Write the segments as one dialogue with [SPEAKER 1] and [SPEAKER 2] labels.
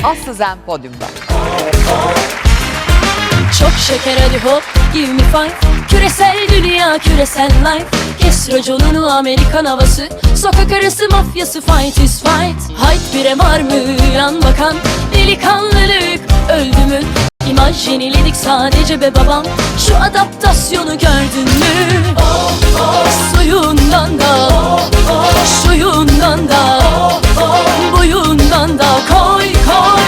[SPEAKER 1] Aslı Zen podyumda.
[SPEAKER 2] Çok şeker hadi hop give me five. Küresel dünya küresel life. Kes raconunu Amerikan havası. Sokak arası mafyası fight is fight. Hayt bire var mı yan bakan. Delikanlılık öldü mü? İmaj yeniledik sadece be babam. Şu adaptasyonu gördün mü? Suyundan da şuyundan da buyundan da koy koy.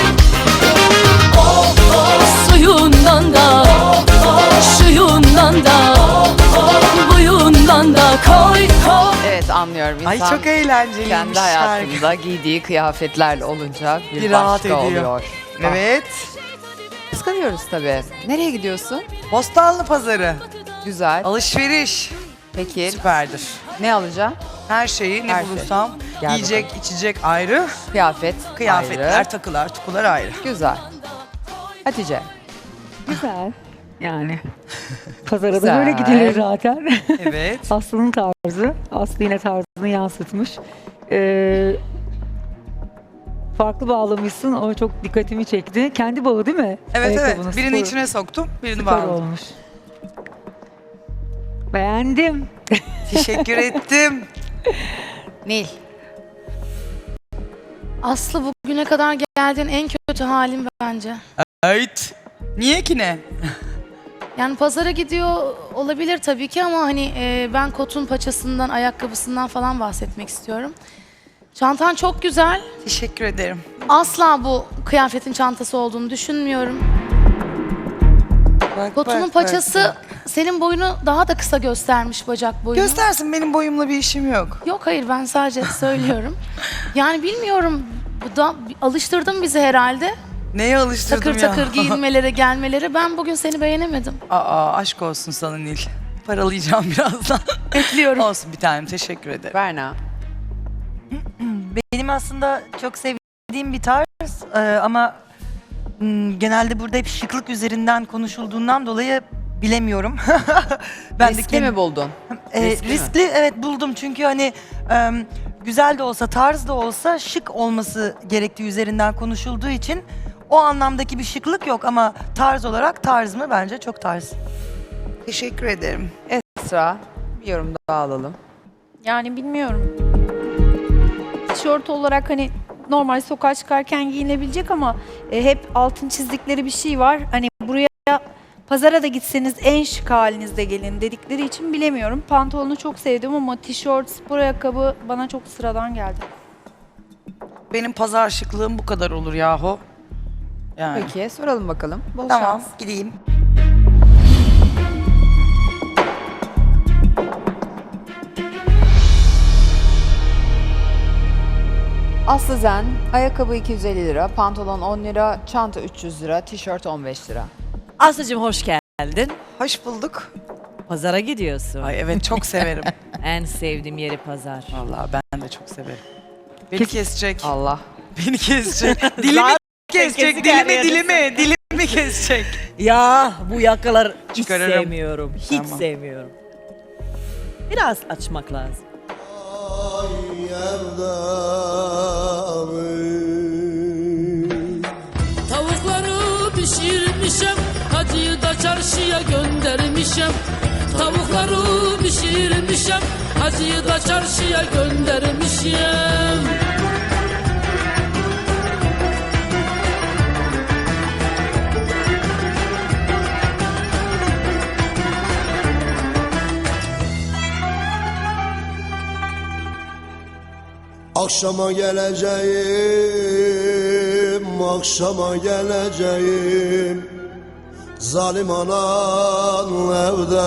[SPEAKER 2] Suyundan da şuyundan da buyundan da koy koy.
[SPEAKER 1] Evet, anlıyorum.
[SPEAKER 3] Ay
[SPEAKER 1] İnsan
[SPEAKER 3] çok eğlenceliymiş
[SPEAKER 1] kendi
[SPEAKER 3] şarkı.
[SPEAKER 1] hayatında giydiği kıyafetlerle olunca bir
[SPEAKER 3] rahat
[SPEAKER 1] başka
[SPEAKER 3] ediyor.
[SPEAKER 1] oluyor.
[SPEAKER 3] Evet.
[SPEAKER 1] Kıskanıyoruz tabii. Nereye gidiyorsun?
[SPEAKER 3] Bostanlı pazarı.
[SPEAKER 1] Güzel.
[SPEAKER 3] Alışveriş.
[SPEAKER 1] Peki
[SPEAKER 3] Süperdir.
[SPEAKER 1] ne alacağım?
[SPEAKER 3] Her şeyi ne
[SPEAKER 1] Her şey.
[SPEAKER 3] bulursam.
[SPEAKER 1] Gel
[SPEAKER 3] Yiyecek, içecek ayrı.
[SPEAKER 1] Kıyafet
[SPEAKER 3] Kıyafetler,
[SPEAKER 1] ayrı.
[SPEAKER 3] takılar, tukular ayrı.
[SPEAKER 1] Güzel. Hatice.
[SPEAKER 4] Güzel. Yani. Pazara da
[SPEAKER 1] Güzel.
[SPEAKER 4] böyle gidilir zaten.
[SPEAKER 3] Evet.
[SPEAKER 4] Aslı'nın tarzı. Aslı yine tarzını yansıtmış. Farklı bağlamışsın. O çok dikkatimi çekti. Kendi bağı değil mi?
[SPEAKER 3] Evet
[SPEAKER 4] Ayakkabının
[SPEAKER 3] evet. Birini
[SPEAKER 4] spor-
[SPEAKER 3] içine soktum, birini
[SPEAKER 4] Süper
[SPEAKER 3] bağladım.
[SPEAKER 4] olmuş. Beğendim.
[SPEAKER 3] Teşekkür ettim.
[SPEAKER 1] Nil.
[SPEAKER 5] Aslı bugüne kadar geldiğin en kötü halin bence.
[SPEAKER 3] Evet. Niye ki ne?
[SPEAKER 5] Yani pazara gidiyor olabilir tabii ki ama hani ben kotun paçasından, ayakkabısından falan bahsetmek istiyorum. Çantan çok güzel.
[SPEAKER 3] Teşekkür ederim.
[SPEAKER 5] Asla bu kıyafetin çantası olduğunu düşünmüyorum.
[SPEAKER 3] Bak,
[SPEAKER 5] Kotunun
[SPEAKER 3] bak,
[SPEAKER 5] paçası
[SPEAKER 3] bak.
[SPEAKER 5] senin boyunu daha da kısa göstermiş, bacak boyunu.
[SPEAKER 3] Göstersin, benim boyumla bir işim yok.
[SPEAKER 5] Yok hayır, ben sadece söylüyorum. Yani bilmiyorum, bu da alıştırdın bizi herhalde.
[SPEAKER 3] Neye alıştırdım
[SPEAKER 5] Takır
[SPEAKER 3] ya?
[SPEAKER 5] takır giyinmelere, gelmelere. Ben bugün seni beğenemedim.
[SPEAKER 3] Aa, aşk olsun sana Nil. Paralayacağım birazdan.
[SPEAKER 5] Bekliyorum.
[SPEAKER 3] Olsun bir tanem, teşekkür ederim.
[SPEAKER 1] Berna.
[SPEAKER 6] Benim aslında çok sevdiğim bir tarz ama genelde burada hep şıklık üzerinden konuşulduğundan dolayı bilemiyorum.
[SPEAKER 1] Riskli mi buldun? Riskli mi?
[SPEAKER 6] Riskli evet buldum çünkü hani güzel de olsa tarz da olsa şık olması gerektiği üzerinden konuşulduğu için o anlamdaki bir şıklık yok ama tarz olarak tarz mı bence çok tarz.
[SPEAKER 3] Teşekkür ederim.
[SPEAKER 1] Esra. Bir yorum daha alalım.
[SPEAKER 7] Yani bilmiyorum. Tişört olarak hani normal sokağa çıkarken giyinebilecek ama hep altın çizdikleri bir şey var. Hani buraya pazara da gitseniz en şık halinizde gelin dedikleri için bilemiyorum. Pantolonu çok sevdim ama tişört, spor ayakkabı bana çok sıradan geldi.
[SPEAKER 3] Benim pazar şıklığım bu kadar olur yahu. Yani.
[SPEAKER 1] Peki soralım bakalım. Bol
[SPEAKER 3] Tamam,
[SPEAKER 1] şans.
[SPEAKER 3] gideyim.
[SPEAKER 1] Aslı Zen, ayakkabı 250 lira, pantolon 10 lira, çanta 300 lira, tişört 15 lira.
[SPEAKER 8] Aslı'cığım hoş geldin.
[SPEAKER 3] Hoş bulduk.
[SPEAKER 8] Pazara gidiyorsun.
[SPEAKER 3] Ay evet, çok severim.
[SPEAKER 8] En sevdiğim yeri pazar.
[SPEAKER 3] Vallahi ben de çok severim. Beni kesecek.
[SPEAKER 1] Allah.
[SPEAKER 3] Beni kesecek. Dilimi kesecek.
[SPEAKER 8] kesik her yeri
[SPEAKER 3] Dilimi kesecek.
[SPEAKER 8] Ya bu yakalar hiç
[SPEAKER 3] Çıkarırım.
[SPEAKER 8] sevmiyorum. Hiç
[SPEAKER 3] Tamam.
[SPEAKER 8] sevmiyorum. Biraz açmak lazım.
[SPEAKER 9] Tavukları pişirmişem, hacıyı da çarşıya göndermişem. Tavukları pişirmişem, hacıyı da çarşıya göndermişem.
[SPEAKER 10] Akşama geleceğim, akşama geleceğim. Zalim anan evde.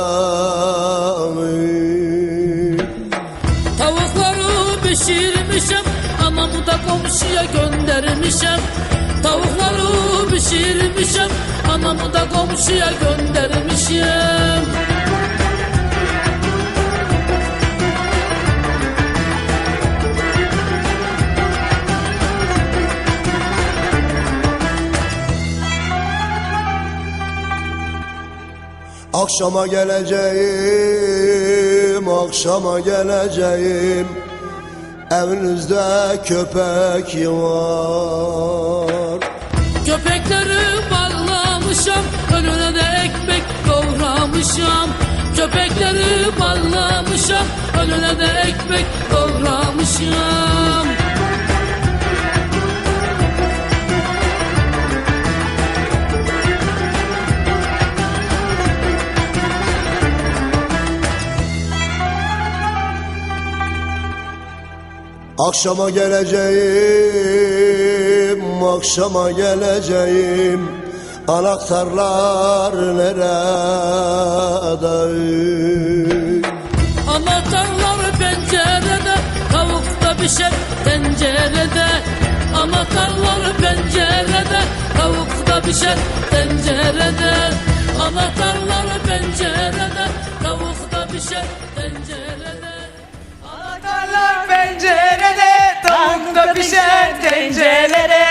[SPEAKER 9] Tavukları pişirmişem, anamı da komşuya göndermişem. Tavukları pişirmişem, anamı da komşuya göndermişem.
[SPEAKER 10] Akşama geleceğim, akşama geleceğim. Evinizde köpek var.
[SPEAKER 9] bağlamışam. Köpekleri bağlamışam, önüne de ekmek doğramışam.
[SPEAKER 10] Akşama geleceğim, akşama geleceğim. Anahtarlar nerede?
[SPEAKER 9] Anahtarlar pencerede, tavuk da pişer tencerede. Anahtarlar pencerede, tavuk da pişer tencerede. Anahtarlar pencerede, tavuk da pişer tencerede.
[SPEAKER 6] Anahtarlar pencerede, tavuk da pişer tencerede.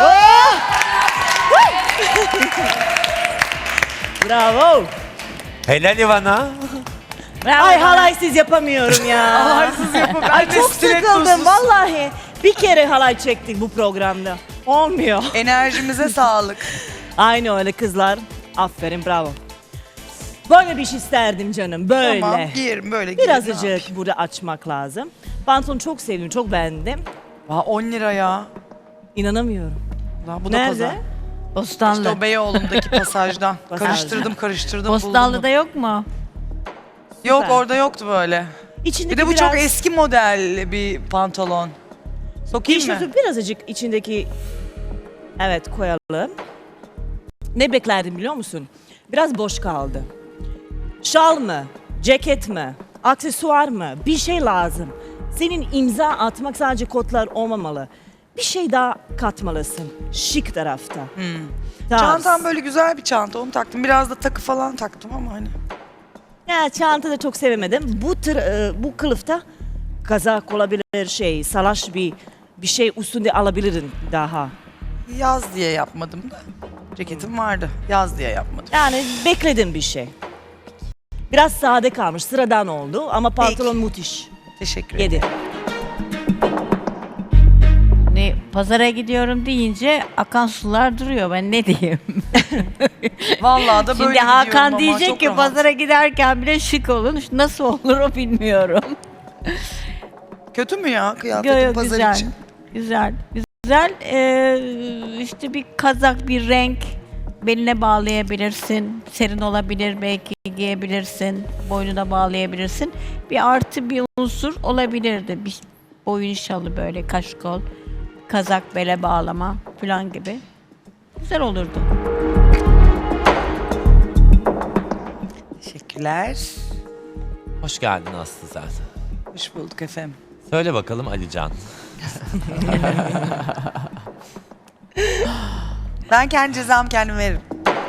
[SPEAKER 8] Bravo.
[SPEAKER 11] Helal Ivana.
[SPEAKER 8] Ay halaysız yapamıyorum ya.
[SPEAKER 6] Halaysız yapamıyorum.
[SPEAKER 8] Ay
[SPEAKER 6] Ben de
[SPEAKER 8] çok
[SPEAKER 6] stilettosuz.
[SPEAKER 8] sıkıldım vallahi. Bir kere halay çektik bu programda. Olmuyor.
[SPEAKER 6] Enerjimize sağlık.
[SPEAKER 8] Aynı öyle kızlar. Aferin bravo. Böyle bir şey isterdim canım böyle.
[SPEAKER 6] Tamam, giyerim böyle giyerim.
[SPEAKER 8] Birazcık burada açmak lazım. Pantolonu çok sevdim, çok beğendim.
[SPEAKER 3] Aa, 10 lira ya.
[SPEAKER 8] İnanamıyorum.
[SPEAKER 3] Aa, bu da
[SPEAKER 8] Nerede?
[SPEAKER 3] pazar.
[SPEAKER 12] Bostanlı.
[SPEAKER 3] İşte o Beyoğlu'ndaki pasajdan.
[SPEAKER 8] Pasaj.
[SPEAKER 3] karıştırdım
[SPEAKER 12] Bostanlı'da
[SPEAKER 3] buldum.
[SPEAKER 12] yok mu?
[SPEAKER 3] Yok
[SPEAKER 8] Süper.
[SPEAKER 3] orada yoktu böyle.
[SPEAKER 8] İçindeki
[SPEAKER 3] Bir de bu
[SPEAKER 8] biraz...
[SPEAKER 3] çok eski model bir pantolon. Sokayım mı?
[SPEAKER 8] Tişörtü birazcık içindeki... Evet koyalım. Ne beklerdim biliyor musun? Biraz boş kaldı. Şal mı? Ceket mi? Aksesuar mı? Bir şey lazım. Senin imza atmak sadece kotlar olmamalı. Bir şey daha katmalısın. Şık tarafta. Tarz.
[SPEAKER 3] Çantam böyle güzel bir çanta, onu taktım. Biraz da takı falan taktım ama hani.
[SPEAKER 8] Ya çanta da çok sevemedim. Bu kılıfta kazak olabilir şey, salaş bir şey üstünde alabilirdin daha.
[SPEAKER 3] Yaz diye yapmadım da. Ceketim vardı. Yaz diye yapmadım.
[SPEAKER 8] Yani bekledim bir şey. Biraz sade kalmış, sıradan oldu ama pantolon müthiş.
[SPEAKER 3] Teşekkür ederim.
[SPEAKER 8] 7.
[SPEAKER 12] Ne, pazara gidiyorum deyince akan sular duruyor. Ben ne diyeyim?
[SPEAKER 3] Vallahi da böyle
[SPEAKER 12] Şimdi
[SPEAKER 3] gidiyorum
[SPEAKER 12] Hakan
[SPEAKER 3] ama
[SPEAKER 12] diyecek
[SPEAKER 3] çok
[SPEAKER 12] ki
[SPEAKER 3] rahat.
[SPEAKER 12] pazara giderken bile şık olun. Nasıl olur o bilmiyorum.
[SPEAKER 3] Kötü mü ya kıyafetim
[SPEAKER 12] Yo, yo,
[SPEAKER 3] pazar
[SPEAKER 12] güzel.
[SPEAKER 3] için?
[SPEAKER 12] Güzel. Güzel. İşte bir kazak, bir renk beline bağlayabilirsin. Serin olabilir, belki giyebilirsin. Boynuna bağlayabilirsin. Bir artı bir unsur olabilirdi. Bir boyun şalı böyle kaşkol, kazak bele bağlama falan gibi. Güzel olurdu.
[SPEAKER 3] Teşekkürler.
[SPEAKER 11] Hoş geldin Aslı sen.
[SPEAKER 3] Hoş bulduk efendim.
[SPEAKER 11] Söyle bakalım Alican.
[SPEAKER 3] Ben kendi cezamı kendim veririm.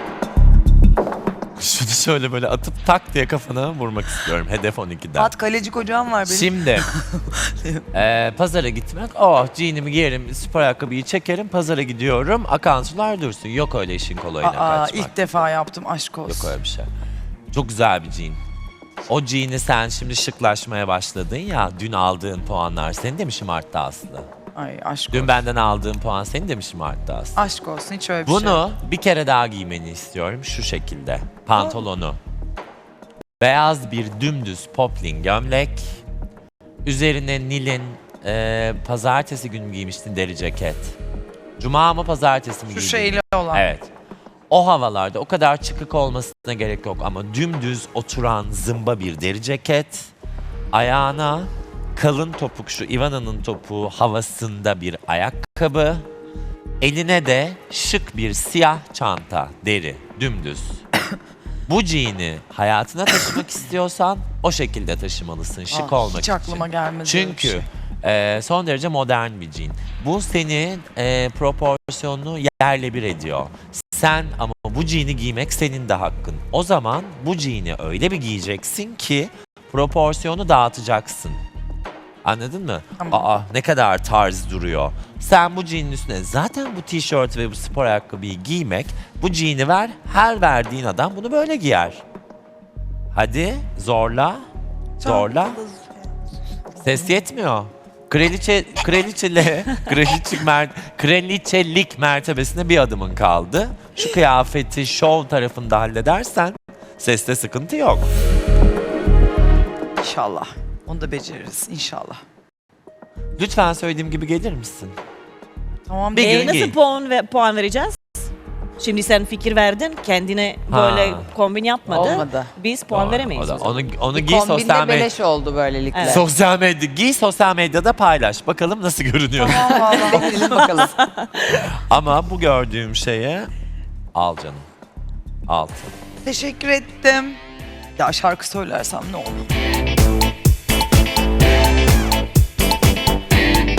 [SPEAKER 11] Şunu şöyle böyle atıp tak diye kafana vurmak istiyorum. Hedef 12'den.
[SPEAKER 3] At kaleci kocam var benim.
[SPEAKER 11] Şimdi pazara gitmek. Oh jeanimi giyerim, spor ayakkabıyı çekerim, pazara gidiyorum. Akan sular dursun. Yok öyle işin kolayına
[SPEAKER 3] Aa,
[SPEAKER 11] kaçmak.
[SPEAKER 3] ilk defa yaptım, aşk olsun.
[SPEAKER 11] Yok öyle bir şey. Çok güzel bir jean. O jean'i sen şimdi şıklaşmaya başladın ya. Dün aldığın puanlar seni de mi şımarttı Aslı?
[SPEAKER 3] Ay aşk
[SPEAKER 11] Dün
[SPEAKER 3] olsun.
[SPEAKER 11] benden aldığın puan seni de mi şımarttı Aslı?
[SPEAKER 3] Aşk olsun, hiç öyle bir şey yok.
[SPEAKER 11] Bunu bir kere daha giymeni istiyorum şu şekilde. Pantolonu. Beyaz bir dümdüz poplin gömlek. Üzerine Nil'in pazartesi günü giymiştin deri ceket. Cuma mı pazartesi mi
[SPEAKER 3] Şu
[SPEAKER 11] giydin?
[SPEAKER 3] şeyli olan.
[SPEAKER 11] Evet. O havalarda o kadar çıkık olmasına gerek yok ama dümdüz oturan zımba bir deri ceket. Ayağına kalın topuk şu Ivana'nın topuğu havasında bir ayakkabı. Eline de şık bir siyah çanta, deri, dümdüz. Bu jean'i hayatına taşımak istiyorsan o şekilde taşımalısın şık olmak
[SPEAKER 3] Hiç
[SPEAKER 11] için.
[SPEAKER 3] aklıma gelmedi öyle bir
[SPEAKER 11] Çünkü
[SPEAKER 3] şey.
[SPEAKER 11] son derece modern bir jean. Bu senin proporsiyonunu yerle bir ediyor. Sen ama bu jean'i giymek senin de hakkın. O zaman bu jean'i öyle bir giyeceksin ki proporsiyonu dağıtacaksın. Anladın mı?
[SPEAKER 3] Tamam.
[SPEAKER 11] Aa ne kadar tarz duruyor. Sen bu jean'in üstüne zaten bu tişört ve bu spor ayakkabıyı giymek, bu jean'i ver, her verdiğin adam bunu böyle giyer. Hadi zorla, zorla. Ses yetmiyor. Kraliçelik mertebesine bir adımın kaldı. Şu kıyafeti şov tarafında halledersen Seste sıkıntı yok.
[SPEAKER 3] İnşallah. Onu da beceririz inşallah.
[SPEAKER 11] Lütfen söylediğim gibi gelir misin?
[SPEAKER 3] Tamam.
[SPEAKER 11] Bir gün
[SPEAKER 8] Nasıl
[SPEAKER 11] giy.
[SPEAKER 8] puan vereceğiz? Şimdi sen fikir verdin, kendine böyle
[SPEAKER 11] Ha.
[SPEAKER 8] kombin yapmadı.
[SPEAKER 1] Olmadı.
[SPEAKER 8] Biz puan
[SPEAKER 11] Doğru,
[SPEAKER 8] veremeyiz.
[SPEAKER 11] o da-
[SPEAKER 8] o zaman.
[SPEAKER 11] Onu
[SPEAKER 1] Bir
[SPEAKER 11] giy
[SPEAKER 1] kombin
[SPEAKER 11] sosyal
[SPEAKER 1] de
[SPEAKER 11] medya.
[SPEAKER 1] beleş oldu böylelikle.
[SPEAKER 8] Evet.
[SPEAKER 11] Sosyal medya, giy sosyal medyada paylaş. Bakalım nasıl görünüyor.
[SPEAKER 1] Verelim bakalım.
[SPEAKER 11] Ama bu gördüğüm şeye al canım. Altın.
[SPEAKER 3] Teşekkür ettim. Ya şarkı söylersem ne olur?